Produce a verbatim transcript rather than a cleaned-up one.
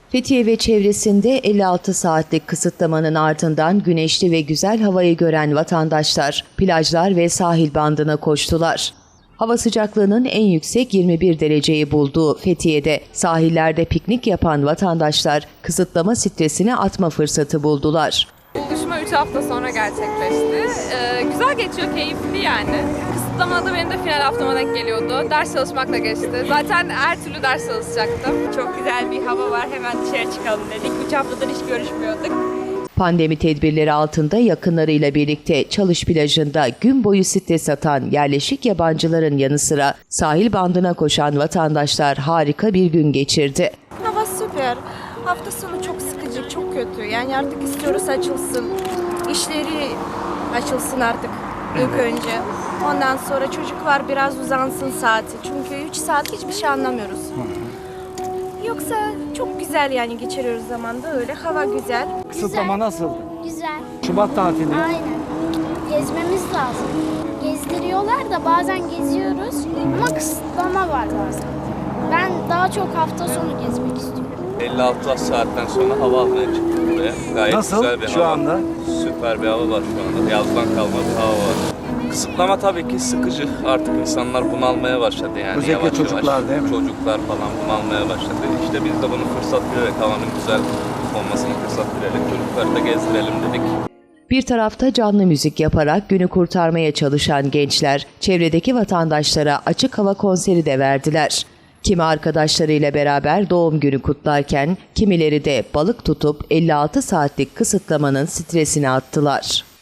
Fethiye ve çevresinde elli altı saatlik kısıtlamanın ardından güneşli ve güzel havayı gören vatandaşlar plajlar ve sahil bandına koştular. Hava sıcaklığının en yüksek yirmi bir dereceyi bulduğu Fethiye'de sahillerde piknik yapan vatandaşlar kısıtlama stresini atma fırsatı buldular. Buluşma üç hafta sonra gerçekleşti. Ee, güzel geçiyor, keyifli yani. Kısıtlamada benim de final haftama denk geliyordu. Ders çalışmakla geçti. Zaten her türlü ders çalışacaktım. Çok güzel bir hava var, hemen dışarı çıkalım dedik. üç haftadır hiç görüşmüyorduk. Pandemi tedbirleri altında yakınlarıyla birlikte Çalış plajında gün boyu stres atan yerleşik yabancıların yanı sıra sahil bandına koşan vatandaşlar harika bir gün geçirdi. Hava süper. Hafta sonu çok sıkıcı, çok kötü. Yani artık istiyoruz açılsın. İşleri açılsın artık ilk önce. Ondan sonra çocuklar biraz uzansın saati. Çünkü üç saat hiçbir şey anlamıyoruz. Yoksa çok güzel yani geçiriyoruz zamanda öyle. Hava güzel. Kısıtlama nasıl? Güzel. Şubat tatili. Aynen. Gezmemiz lazım. Gezdiriyorlar da bazen geziyoruz ama kısıtlama var bazen. Ben daha çok hafta sonu gezmek istiyorum. elli altı saatten sonra hava almaya çıktık buraya. Gayet Nasıl güzel bir şu hava. anda? Süper bir hava var şu anda. Yazdan kalma bir hava var. Kısıtlama tabii ki sıkıcı. Artık insanlar bunalmaya başladı yani. Özellikle yavaş çocuklar yavaş. değil mi? Çocuklar falan bunalmaya başladı. İşte biz de bunu fırsat bilerek, havanın güzel olmasını fırsat bilerek çocukları da gezdirelim dedik. Bir tarafta canlı müzik yaparak günü kurtarmaya çalışan gençler, çevredeki vatandaşlara açık hava konseri de verdiler. Kimi arkadaşlarıyla beraber doğum günü kutlarken, kimileri de balık tutup elli altı saatlik kısıtlamanın stresini attılar.